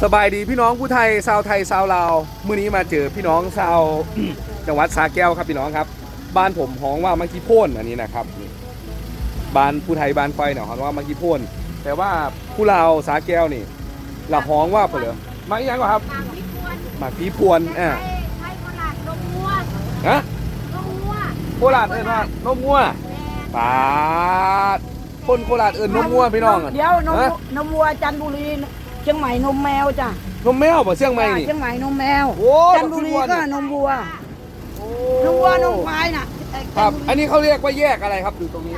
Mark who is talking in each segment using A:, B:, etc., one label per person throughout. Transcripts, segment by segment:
A: สบายดีพี่น้องผู้ไทยชาวไทยชาวลาวมื้อนี้มาเจอพี่น้องชาว จังหวัดสระแก้วครับพี่น้องครับบ้านผมฮ้องว่ามังคีโพ่นอันนี้นะครับบ้านผู้ไทยบ้านไฟเนี่ยฮ้องว่ามังคีโพ่นแต่ว่าผู้ลาวสระแก้วนี่ละฮ้องว่าเปล่ามาอีกอย่างก่อนครับหมากผีพวน
B: ไทยโคราชนมงัว
A: ฮะ
B: นมงัว
A: โคราชเอิ้นว่านมงัวปาดคนโคราชเอิ้นนมงัวพี่น้อง
C: เดี๋ยวนมวัวจันทบุรีเชียงใหม่นมแมวจ้ะ
A: นมแมวบ่เชียงใหม่นี่
C: เชียงใหม่นมแมวจันทบุรีก็นมวัวนมวัวนมควายน่ะ
A: ครับอันนี้เขาเรียกว่าแยกอะไรครับอยู่ตรงนี้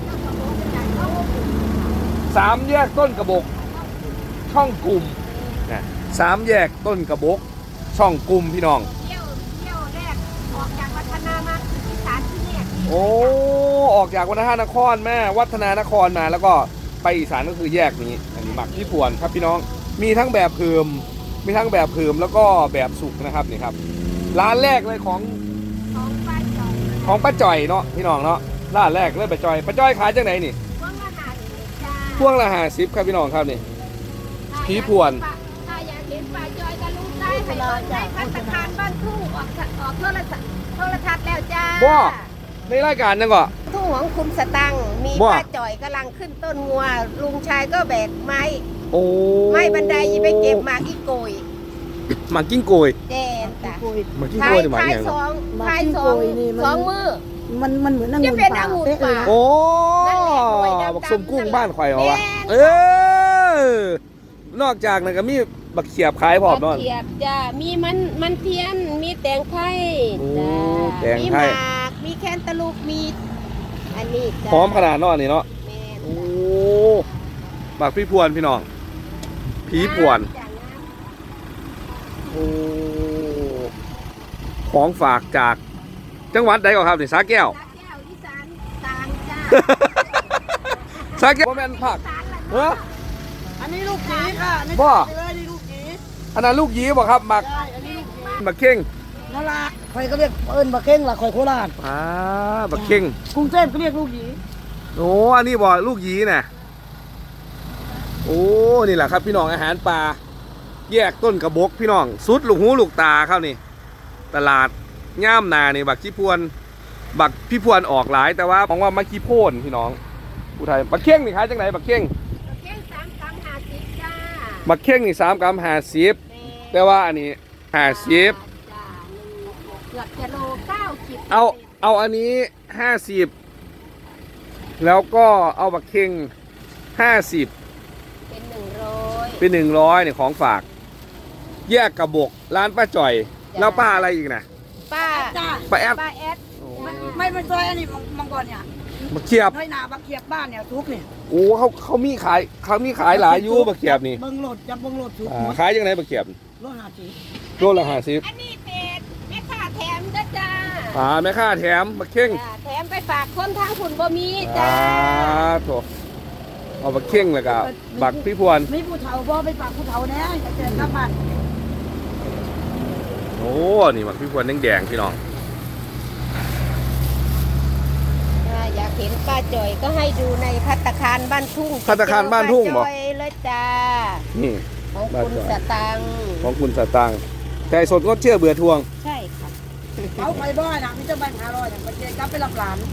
A: 3 แยกต้นกระบอกช่องกลุ่มนะ3 แยกต้นกระบอกช่องกลุ่มพี่น้อง
B: เที่ยวแรกออกจากวัฒนามาที่ศาลที่แยก
A: โอ้ออกจากวัฒนครแม่วัฒนานครมาแล้วก็ไปอีสานก็คือแยกนี้อันนี้หมักที่พวนครับพี่น้องมีทั้งแบบเพิ่มมีทั้งแบบเพิ่มแล้วก็แบบสุกนะครับนี่ครับร้านแรกเลยของป้าจ่อยเนาะพี่น้องเนาะร้านแรกเลยป้าจ่อยขายจังไหนนี่พวงละ50ครับพี่น้องครับนี่ผีพวน
B: ถ้าอยากเห็นป้าจ่อยก็ลูกได้ไปในภัตตาคารบ้านทุ่งออกโทรทัศน์แล้วจ้า
A: บ่ในรายการนั่นก็
B: ทุ่งของคุณสตังมีป้าจ่อยกำลังขึ้นต้นงัวลุงชายก็แบกไม้ไม้บันไดไปเก็บหมากอีโกย
A: หมากกิ้งโกย
B: เจนจ้ะ
A: หมากกิ้งโกยหมายอย่าง
B: พายสองมือ
C: มันเหมือนองุ่นป่า
A: โอ้บักสมกุ้งบ้านข่อยเหรอวะนอกจากนั้นก็มีบักเขียบขายพร้อมเนาะ
B: บักเขียบจ้ะมีมันเทียนมีแตงไทย
A: จ้ะมีหม
B: ากมีแคนตาลูปมีอันนี้จ้ะ
A: พร้อมขนาดนอนนี่เนาะโอ้บักพี่พวนพี่น้องผีพวนโอ้ของฝากจากจังหวัดใดก่อนครับนี่สระแก้ว
B: อีสานกลางจ้า
A: สระแก้วบ่แม่นผัก
C: อันนี้ลูกหยีค่ะ
A: บ่
C: นี่ลูกหยี
A: อันนั้นลูกหยีบ่ครับหมักบักเข่ง
C: นั่นละใครก็เรียกบักเข่งล่ะข่อยโคราช
A: บักเข่ง
C: กรุงเทพก็เรียกลูกหยี
A: โอ้อันนี้บ่ลูกหยีน่ะโอ้นี่แหละครับพี่น้องอาหารปลาแยกต้นกระบอกพี่น้องสุดลูกหูลูกตาครับนี่ตลาดย่ามนานี่บักขี้พวนบักพี่พวนออกหลายแต่ว่าของว่ามักขี้โพ่นพี่น้องผู้ไทยบักเข่งนี่ขายจังไหนบักเข่ง
B: 3 กรัม 50จ้า
A: บักเข่งนี่3 กรัม 50แต่ว่าอันนี้50
B: เกือบกิโล90
A: เอาอันนี้50แล้วก็เอาบักเข่ง50เป็น100เนี่ยของฝากแยกกระบอกร้านป้าจ่อยแล้วป้าอะไรอีกนะ
B: ป้า
A: แอด
C: ไม่เป็นซอยอันนี้มังกรเนี่ย
A: บักเขียบ
C: น้อยหนาบักเขียบบ้านเนี่ยทุกเนี่ย
A: โอ้เขามีขายหลายยูบักเขียบนี่
C: เบิ้งโหลดจับเบิ้งโหลดทุก
A: ขายยังไงบักเขียบ
C: โลละ50
A: โลละ50
B: อันนี้เป็ดแม่ค้าแถมจ้า
A: แม่ค้าแถมบักเข่ง
B: แถมไปฝากคนทางคุณบ่มีจ้า
A: โถเอาบักเข่งแล้วก็บักพี่พวน
C: ไม่ผู้เฒ่าบ่ไปฝากผู้เฒ่าแน่จะเจอกับบ้าน
A: โอ้นี่บักพี่พวนแดงพี่น้อง
B: อยากเห็นป้าจ่อยก็ให้ดูในภัตตาคารบ้านทุ่ง
A: ภัตตาคารบ้านทุ่งบ่
B: เลยจ้า
A: นี่
B: ของคุณสตัง
A: แต่สดก็เชื่อเบื่อทวง
B: ใช่ค่ะ
C: เขาไปบ่อยนะพี่เจ้าบ้าน500อย่างไปเจอกับไปรับหลาน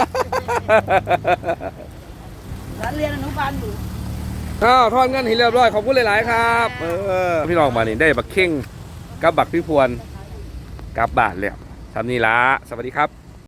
C: เรียนอนุบาลอยู่
A: ทอดเงินให้เรียบร้อยขอบคุณหลายๆครับพี่น้องมานี่ได้บักเข่งกับบักพี่พวนกลับบ้านแล้วทำนี่ละสวัสดีครับ